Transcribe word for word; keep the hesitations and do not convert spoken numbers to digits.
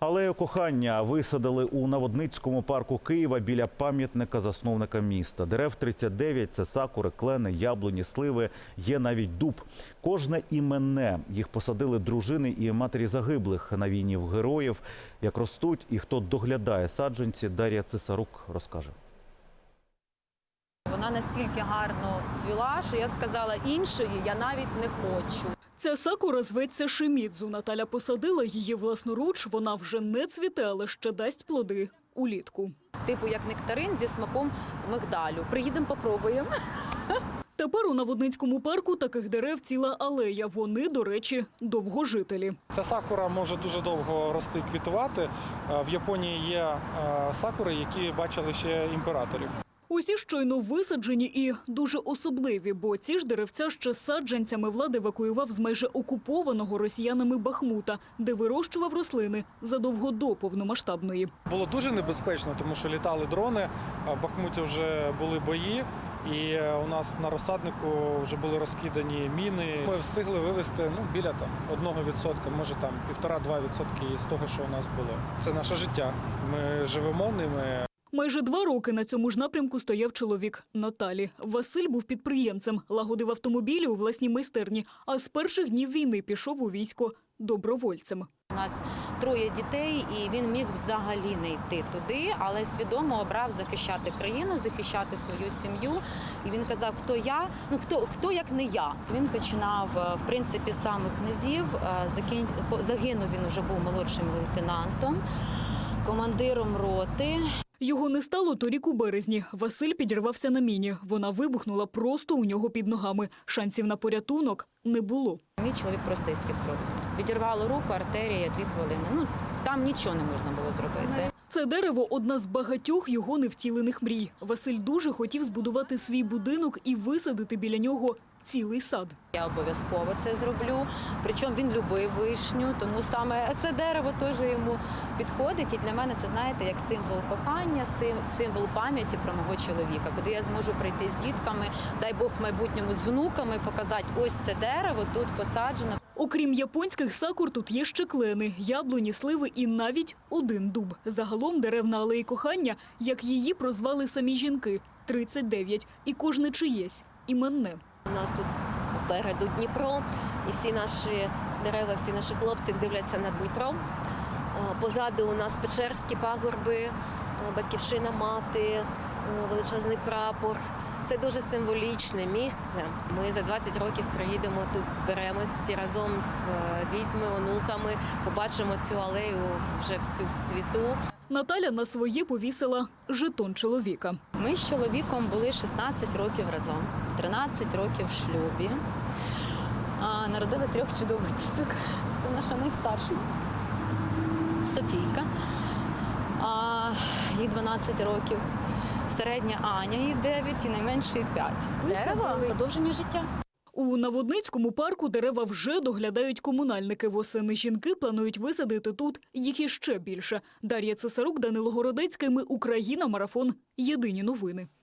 Алею кохання висадили у Наводницькому парку Києва біля пам'ятника засновника міста. Дерев тридцять дев'ять – це сакури, клени, яблуні, сливи, є навіть дуб. Кожне іменне. Їх посадили дружини і матері загиблих на війні в героїв. Як ростуть і хто доглядає саджанці, Дар'я Цесарук розкаже. Вона настільки гарно цвіла, що я сказала, іншої я навіть не хочу. Ця сакура зветься Шимідзу. Наталя посадила її власноруч. Вона вже не цвіте, але ще дасть плоди улітку. Типу як нектарин зі смаком мигдалю. Приїдемо, попробуємо. Тепер у Наводницькому парку таких дерев ціла алея. Вони, до речі, довгожителі. Ця сакура може дуже довго рости і квітувати. В Японії є сакури, які бачили ще імператорів. Усі щойно висаджені і дуже особливі, бо ці ж деревця ще саджанцями влад евакуював з майже окупованого росіянами Бахмута, де вирощував рослини задовго до повномасштабної. Було дуже небезпечно, тому що літали дрони, а в Бахмуті вже були бої, і у нас на розсаднику вже були розкидані міни. Ми встигли вивезти ну, біля там, одного відсотка, може там півтора-два відсотки із того, що у нас було. Це наше життя. Ми живемо ними. Майже два роки на цьому ж напрямку стояв чоловік Наталі. Василь був підприємцем, лагодив автомобілі у власній майстерні, а з перших днів війни пішов у військо добровольцем. У нас троє дітей, і він міг взагалі не йти туди, але свідомо обрав захищати країну, захищати свою сім'ю. І він казав, хто я, ну хто, хто як не я. Він починав, в принципі, з самих низів. Загинув, він вже був молодшим лейтенантом, командиром роти. Його не стало торік у березні. Василь підірвався на міні. Вона вибухнула просто у нього під ногами. Шансів на порятунок не було. Мій чоловік просто істік кров'ю. Відірвало руку, артерія, дві хвилини. Ну, там нічого не можна було зробити. Це дерево – одна з багатьох його невтілених мрій. Василь дуже хотів збудувати свій будинок і висадити біля нього цілий сад. Я обов'язково це зроблю. Причому він любив вишню, тому саме це дерево теж йому підходить. І для мене це, знаєте, як символ кохання, символ пам'яті про мого чоловіка, куди я зможу прийти з дітками, дай Бог в майбутньому з внуками, показати ось це дерево, тут посаджено. Окрім японських сакур, тут є ще клени, яблуні, сливи і навіть один дуб. Загалом дерев на алеї кохання, як її прозвали самі жінки – тридцять дев'ять. І кожне чиєсь іменне. У нас тут попереду Дніпро, і всі наші дерева, всі наші хлопці дивляться на Дніпро. Позаду у нас Печерські пагорби, Батьківщина мати, величезний прапор. Це дуже символічне місце. Ми за двадцять років приїдемо тут, зберемось всі разом з дітьми, онуками, побачимо цю алею вже всю в цвіту. Наталя на своє повісила жетон чоловіка. Ми з чоловіком були шістнадцять років разом, тринадцять років в шлюбі. А, народили трьох чудових діток. Це наша найстарша Софійка, а, їй дванадцять років. Середня Аня, їй дев'ять і найменший п'ять. Дерева – продовження життя. У Наводницькому парку дерева вже доглядають комунальники. Восени жінки планують висадити тут їх іще більше. Дар'я Цесарук, Данило Городецький. Ми Україна. Марафон. Єдині новини.